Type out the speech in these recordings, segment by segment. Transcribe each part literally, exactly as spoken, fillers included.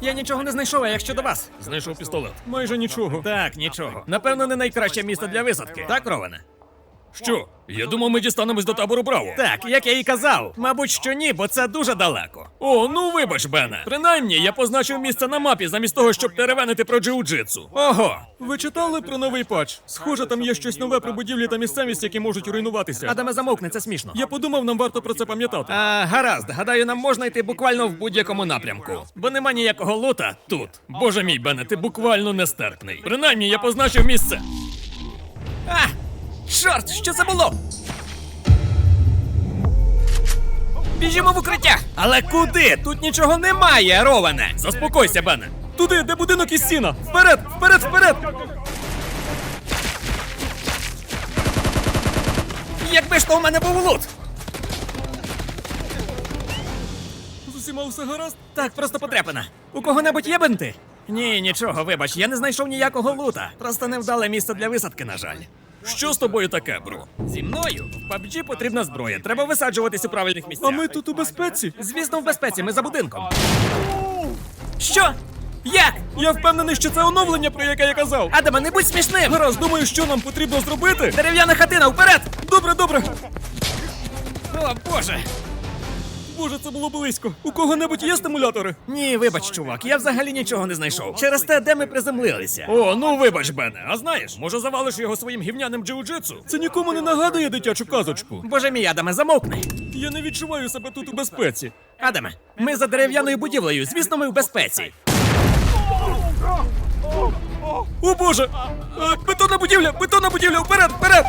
Я нічого не знайшов, а як щодо вас? Знайшов пістолет. Майже нічого. Так, нічого. Напевно, не найкраще місце для висадки. Так, Роване? Що? Я думав, ми дістанемось до табору Браво. Так, як я і казав. Мабуть, що ні, бо це дуже далеко. О, ну вибач, Бене. Принаймні, я позначив місце на мапі замість того, щоб теревенити про джиу-джитсу. Ого! Ви читали про новий патч? Схоже, там є щось нове про будівлі та місцевість, які можуть руйнуватися. Адаме, замовкни, це смішно. Я подумав, нам варто про це пам'ятати. А, гаразд, гадаю, нам можна йти буквально в будь-якому напрямку. Бо нема ніякого лута тут. Боже мій, Бене, ти буквально нестерпний. Принаймні, я позначив місце. А! Чорт, що це було? Біжімо в укриття! Але куди? Тут нічого немає, Роване! Заспокойся, Бене. Туди, де будинок і стіна. Вперед, вперед, вперед! Якби ж то у мене був лут! З усіма все гаразд? Так, просто потрепана. У кого-небудь є бинти? Ні, нічого, вибач, я не знайшов ніякого лута. Просто невдале місце для висадки, на жаль. Що з тобою таке, бро? Зі мною в пабджі потрібна зброя. Треба висаджуватись у правильних місцях. А ми тут у безпеці? Звісно, в безпеці, ми за будинком. Що? Як? Я впевнений, що це оновлення, про яке я казав. Адаме, не будь смішним! Гаразд, думаю, що нам потрібно зробити. Дерев'яна хатина, вперед! Добре, добре. О, Боже! Боже, це було близько. У кого-небудь є стимулятори? Ні, вибач, чувак, я взагалі нічого не знайшов. Через те, де ми приземлилися. О, ну вибач, Бене. А знаєш, може завалиш його своїм гівняним джиу-джитсу? Це нікому не нагадує дитячу казочку. Боже мій, Адаме, замовкни. Я не відчуваю себе тут у безпеці. Адаме, ми за дерев'яною будівлею, звісно, ми в безпеці. О, Боже! Е, бетонна будівля! Бетонна будівля! Вперед! Вперед!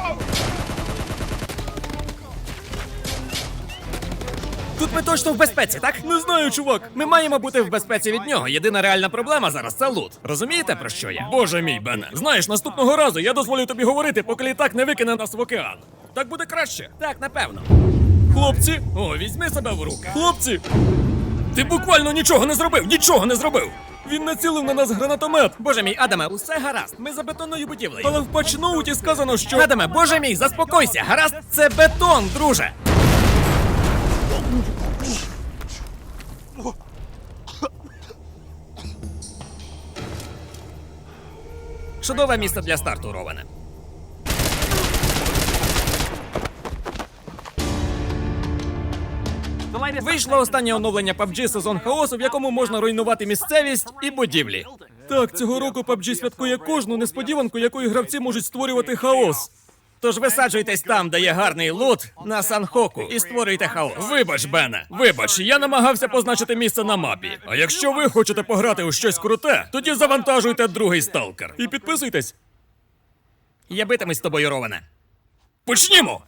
Тут ми точно в безпеці, так? Не знаю, чувак. Ми маємо бути в безпеці від нього. Єдина реальна проблема зараз це лут. Розумієте, про що я? Боже мій, Бене. Знаєш, наступного разу я дозволю тобі говорити, поки літак не викине нас в океан. Так буде краще. Так, напевно. Хлопці! О, візьми себе в руки. Хлопці! Ти буквально нічого не зробив! Нічого не зробив! Він націлив на нас гранатомет! Боже мій, Адаме, усе гаразд. Ми за бетонною будівлею. Але в патчноуті сказано, що... Адаме, боже мій, заспокойся. Гаразд, це бетон, друже. Чудове місце для старту, Роване. Вийшло останнє оновлення пабджі сезон хаосу, в якому можна руйнувати місцевість і будівлі. Так, цього року пабджі святкує кожну несподіванку, якою гравці можуть створювати хаос. Тож висаджуйтесь там, де є гарний лут, на Санхоку, і створюйте хаос. Вибач, Бене, вибач, я намагався позначити місце на мапі. А якщо ви хочете пограти у щось круте, тоді завантажуйте другий сталкер. І підписуйтесь. Я битимусь з тобою, Роване. Почнімо!